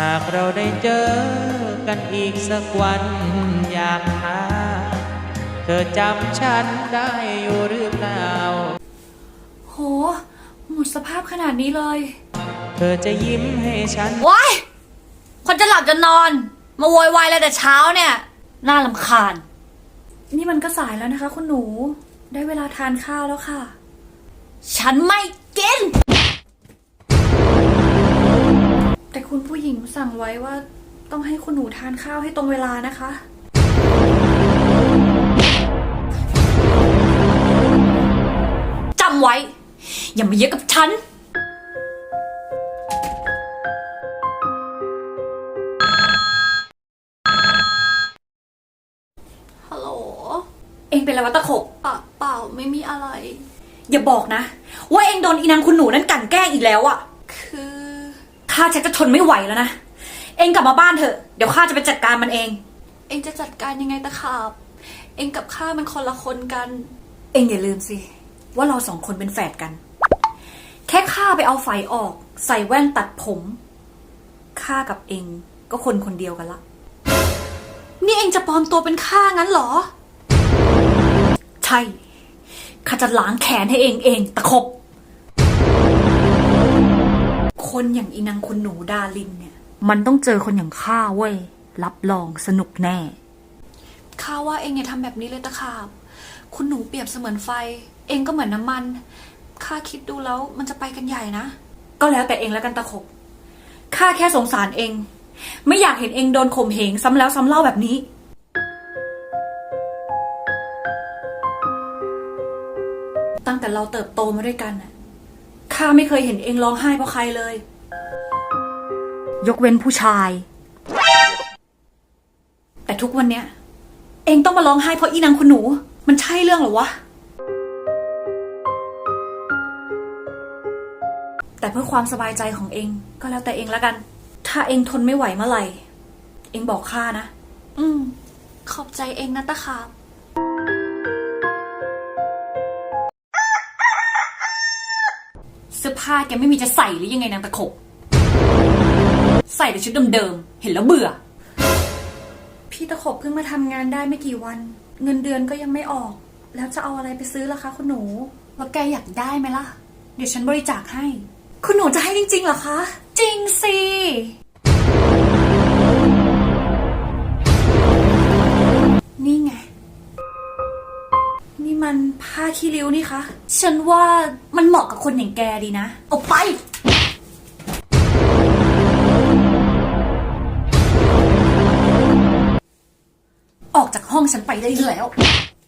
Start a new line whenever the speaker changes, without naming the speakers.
ากเราได้เจอกันอีกสักวันอยากหาเธอจำฉันได้อยู่หรือเปล่า
โหหมดสภาพขนาดนี้เลย
เธอจะยิ้มให้ฉัน
ว้ายคนจะหลับจะนอนมาโวยวายแล้วแต่เช้าเนี่ยน่ารำคาญนี่มันก็สายแล้วนะคะคุณหนูได้เวลาทานข้าวแล้วค่ะฉันไม่กินแต่คุณผู้หญิงสั่งไว้ว่าต้องให้คุณหนูทานข้าวให้ตรงเวลานะคะจำไว้อย่ามาเยอะกับฉันฮัลโหลเองเป็นอะไรวะตะขบเปล่าไม่มีอะไรอย่าบอกนะว่าเองโดนอีนางคุณหนูนั้นกลั่นแกล้งอีกแล้วอะคือข้าชักจะทนไม่ไหวแล้วนะเองกลับมาบ้านเถอะเดี๋ยวข้าจะไปจัดการมันเองเองจะจัดการยังไงตะขาบเองกับข้ามันคนละคนกันเองอย่าลืมสิว่าเราสองคนเป็นแฝดกันแค่ข้าไปเอาไฟออกใส่แว่นตัดผมข้ากับเองก็คนคนเดียวกันละนี่เองจะปลอมตัวเป็นข้างั้นเหรอใช่ข้าจะล้างแขนให้เองตะขบคนอย่างอีนางคุณหนูดาลินเนี่ยมันต้องเจอคนอย่างข้าเว้ยรับรองสนุกแน่ข้าว่าเองอย่าทำแบบนี้เลยตะขาบคุณหนูเปรียบเสมือนไฟเองก็เหมือนน้ำมันข้าคิดดูแล้วมันจะไปกันใหญ่นะก็แล้วแต่เองแล้วกันตะขบข้าแค่สงสารเองไม่อยากเห็นเองโดนข่มเหงซ้ำแล้วซ้ำเล่าแบบนี้ตั้งแต่เราเติบโตมาด้วยกันน่ะข้าไม่เคยเห็นเองร้องไห้เพราะใครเลยยกเว้นผู้ชายแต่ทุกวันเนี้ยเองต้องมาร้องไห้เพราะอีนางคุณหนูมันใช่เรื่องหรอวะแต่เพื่อความสบายใจของเองก็แล้วแต่เองแล้วกันถ้าเองทนไม่ไหวเมื่อไหร่เองบอกข้านะขอบใจเองนะตะขาบเสื้อผ้าแกไม่มีจะใส่หรือยังไงนางตะขบใส่แต่ชุดเดิมๆเห็นแล้วเบื่อพี่ตะขบเพิ่งมาทำงานได้ไม่กี่วันเงินเดือนก็ยังไม่ออกแล้วจะเอาอะไรไปซื้อล่ะคะคุณหนูแล้วแกอยากได้ไหมล่ะเดี๋ยวฉันบริจาคให้คุณหนูจะให้จริงๆเหรอคะจริงสินี่ไงนี่มันผ้าขี้ริ้วนี่คะฉันว่ามันเหมาะกับคนอย่างแกดีนะเอาไปออกจากห้องฉันไปได้แล้ว